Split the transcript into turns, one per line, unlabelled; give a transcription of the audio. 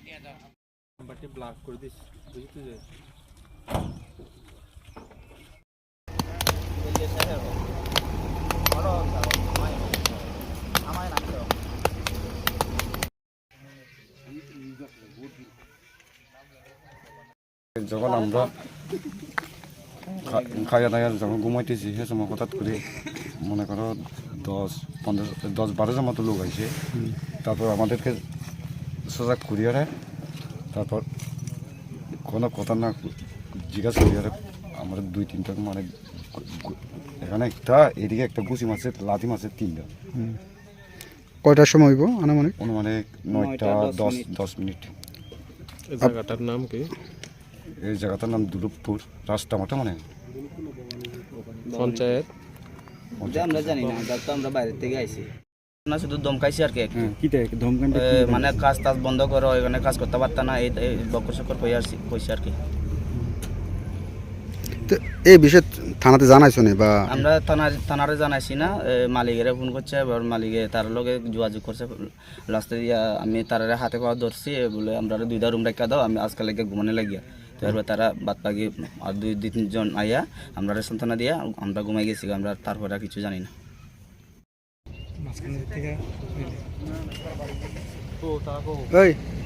নাম্বারটি ব্লক করে দিস, বুঝতে যে
যখন আমরা খাইয়া দাইয়া যখন ঘুমাইতেছি সে সময় হঠাৎ করে মনে করো 10-12 জন মতো লোক আছে। তারপর আমাদেরকে সজাগ করিয়ে দেয়। তারপর কোনো কথা না জিজ্ঞাসা করিয়ে আমরা 2-3টা মানে এখানে একটা এদিকে একটা গুছি মাছের লাঠি মাছের 3টা।
কয়টার সময় হইব আনুমানিক?
অনুমানিক 9টা 10 মিনিট।
এই জায়গাটার নাম কি?
এই জায়গাটার নাম দুলুপপুর রাস্তামাটা, মানে
পঞ্চায়েত।
আমরা জানি না, তো আমরা বাইরে থেকে আইছি না, শুধু ধমকাইছি আর কি। মানে কাজ টাজ বন্ধ করো, এখানে কাজ করতে পারত না, এই বকর সকর কইছে আর কি।
তো এই বিষয়ে থানাতে জানাইছো না? বা
আমরা থানারে জানাইছি না, মালিকের ফোন করছে, এবার মালিকে তার লগে যোগাযোগ করছে। লাস্টে আমি তারারে হাতে পাওয়া ধরছি, বলে আমরা 2টা রুম রাখা দাও, আমি আজকাল লেগে ঘুমানো লাগিয়া। তো এবার তারা বাদ বাকি আর 2-3 জন আইয়া আমরা সান্ত্বনা দিয়া আমরা ঘুমাই গেছি। আমরা তারপরে আর কিছু জানি না।
ওই